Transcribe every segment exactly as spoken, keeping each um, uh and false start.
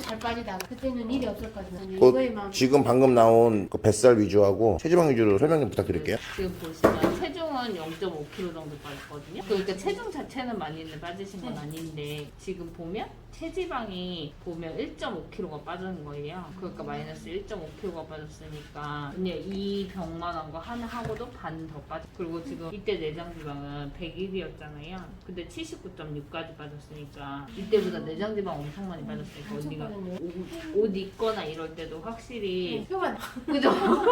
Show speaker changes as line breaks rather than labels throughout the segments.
잘 빠지다가 그때는 일이 없었거든요.
그
이거에만
지금 방금 나온 그 뱃살 위주하고 체지방 위주로 설명 좀 부탁드릴게요.
지금 보시면 체중은 영 점 오 킬로그램 정도 빠졌거든요. 그러니까 체중 자체는 많이 빠지신 건 아닌데 지금 보면 체지방이 보면 일 점 오 킬로그램가 빠지는 거예요. 그러니까 마이너스 일 점 오 킬로그램가 빠졌으니까 그냥 이 병만한 거 하나 하고도 반 더 빠져. 그리고 지금 이때 내장 지방은 백일이었잖아요. 근데 칠십구 점 육까지 빠졌으니까 이때보다 내장 지방 엄청 많이 빠졌으니까
엄청
언니가
빠졌네.
옷, 옷 입거나 이럴 때도 확실히
표가 나-
그죠?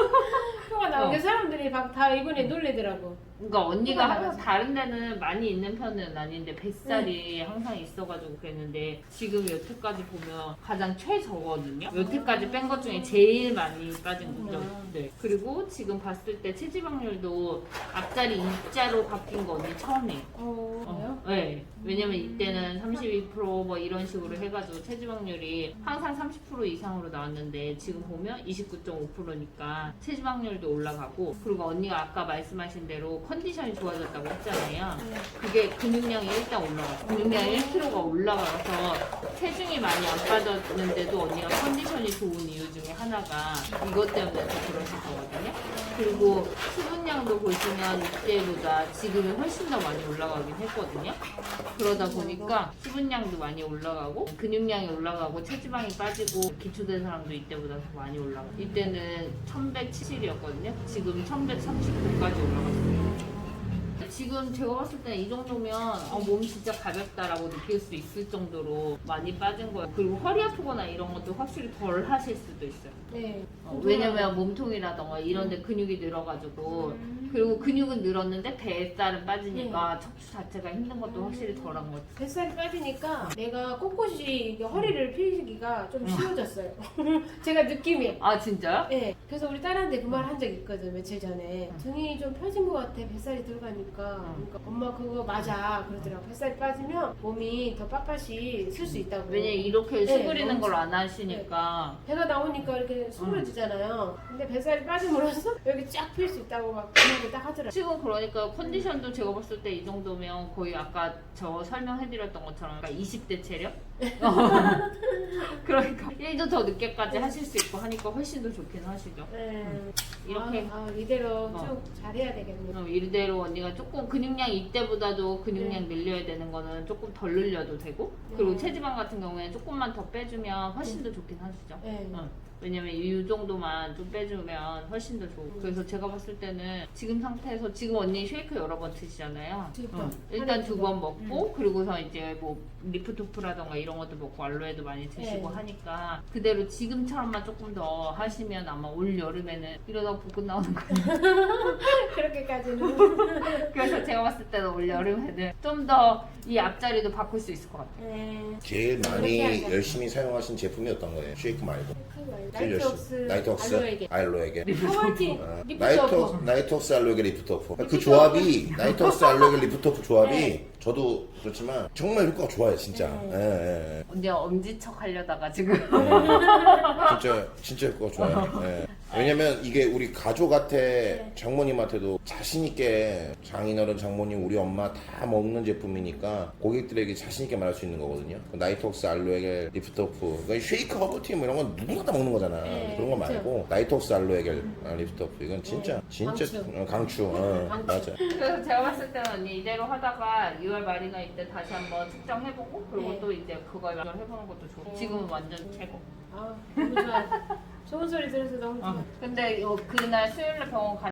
표가 나온 게
어.
사람들이 막 다 이번에 놀래더라고.
그러니까 언니가
표가
항상
나가서.
다른 데는 많이 있는 편은 아닌데 뱃살이 항상 있어가지고 그랬는데 지금 여태까지 보면 가장 최저거든요. 여태까지 뺀 것 중에 제일 많이 빠진 거죠.
음.
네. 그리고 지금 봤을 때 체지방률도 앞자리 이자로 바뀐 거 언니 처음이에요.
어,
어, 네. 왜냐면 이때는 삼십이 퍼센트 뭐 이런 식으로 해가지고 체지방률이 항상 삼십 퍼센트 이상으로 나왔는데 지금 보면 이십구 점 오 퍼센트니까 체지방률도 올라가고 그리고 언니가 아까 말씀하신 대로 컨디션이 좋아졌다고 했잖아요.
네.
그게 근육량이 일단 올라갔어. 근육량 일 킬로그램가 올라가서 체중이 많이 안 빠졌는데도 언니가 컨디션이 좋은 이유 중에 하나가 이것 때문에 더 그러실 거거든요. 그리고 수분량도 보시면 이때보다 지금이 훨씬 더 많이 올라가긴 했거든요. 그러다 보니까 수분량도 많이 올라가고 근육량이 올라가고 체지방이 빠지고 기초된 사람도 이때보다 더 많이 올라가. 이때는 천백칠십이었거든요. 지금 천백삼십구까지 올라갔어요. 지금 제가 봤을 때 이 정도면 어, 몸이 진짜 가볍다라고 느낄 수 있을 정도로 많이 빠진 거예요. 그리고 허리 아프거나 이런 것도 확실히 덜 하실 수도 있어요.
네.
어, 왜냐면 몸통이라던가 이런 데 근육이 늘어가지고
음.
그리고 근육은 늘었는데 뱃살은 빠지니까 척추 자체가 힘든 것도
음.
확실히 덜한 것 같아요.
뱃살이 빠지니까 내가 꼿꼿이 이게 허리를 펴기가 좀 쉬워졌어요. 제가 느낌이.
아 진짜요?
네. 그래서 우리 딸한테 그 말 한 적 있거든 며칠 전에. 등이 좀 펴진 것 같아 뱃살이 들어가니까. 그러니까 엄마 그거 맞아 그러더라고. 뱃살이 빠지면 몸이 더 빳빳이 쓸 수 있다고.
왜냐 이렇게
네,
수그리는
너무
걸 안 하시니까
배가 나오니까 이렇게 수그러지잖아요. 근데 뱃살이 빠짐으로써 여기 쫙 필 수 있다고 막 그렇게 딱 하더라고요.
지금 그러니까 컨디션도 제가 봤을 때 이 정도면 거의 아까 저 설명해드렸던 것처럼 그러니까 이십 대 체력? 그러니까 일도 더 늦게까지 하실 수 있고 하니까 훨씬 더 좋긴 하시죠.
네.
이렇게
아, 아, 이대로
어.
쭉 잘해야 되겠네요.
어, 이대로 언니가 조금 근육량 이때보다도 근육량 늘려야 되는 거는 조금 덜 늘려도 되고 그리고
네.
체지방 같은 경우에는 조금만 더 빼주면 훨씬 더 좋긴 하시죠.
네.
어. 왜냐면 이 정도만 좀 빼주면 훨씬 더 좋고 그래서 제가 봤을 때는 지금 상태에서 지금 언니 쉐이크 여러 번 드시잖아요.
두 번.
어. 일단
하루에
두
두
번
번.
먹고 그리고서 이제 뭐 리프토프라던가 이런 것도 먹고 알로에도 많이 드시고
네.
하니까 그대로 지금처럼만 조금 더 하시면 아마 올 여름에는 이러다 복근 나오는 거예요.
그렇게까지는.
그래서 제가 봤을 때는 올 여름에는 좀 더 이 앞자리도 바꿀 수 있을 것 같아요.
네.
제일 많이
그렇게 하자.
열심히 사용하신 제품이 어떤 거예요? 쉐이크 말고. 제일
나이트웍스
열심히. 나이트웍스
알로에게.
알로에게.
파워팅
어,
리프트
나이트
오프.
나이트웍스 알로에게 리프트오프. 그
리프트
조합이 나이트웍스 알로에게 리프트오프 조합이
네.
저도 그렇지만 정말 효과가 좋아요 진짜.
네.
예, 예, 예.
언니 엄지척 하려다가 지금
진짜 진짜 효과가 좋아요. 예. 왜냐면 이게 우리 가족한테 장모님한테도 자신 있게 장인어른 장모님 우리 엄마 다 먹는 제품이니까 고객들에게 자신 있게 말할 수 있는 거거든요. 나이트웍스 알로에겔 리프트오프 그러니까 쉐이크 허브티 뭐 이런 건 누구나 다 먹는 거잖아.
네,
그런 거
그쵸.
말고 나이트웍스 알로에겔 리프트오프 이건 진짜 진짜
강추.
어, 강추. 어,
강추.
맞아.
그래서 제가 봤을 때는 언니 이대로 하다가 유월 말이나 이때 다시 한번 측정해보고 그리고
네.
또 이제 그거 해보는 것도 좋고
네.
지금은 완전 최고.
아, 너무 좋아요. 좋은 소리 들어서 너무 좋아요.
어. 근데 요 그날 수요일날 병원 가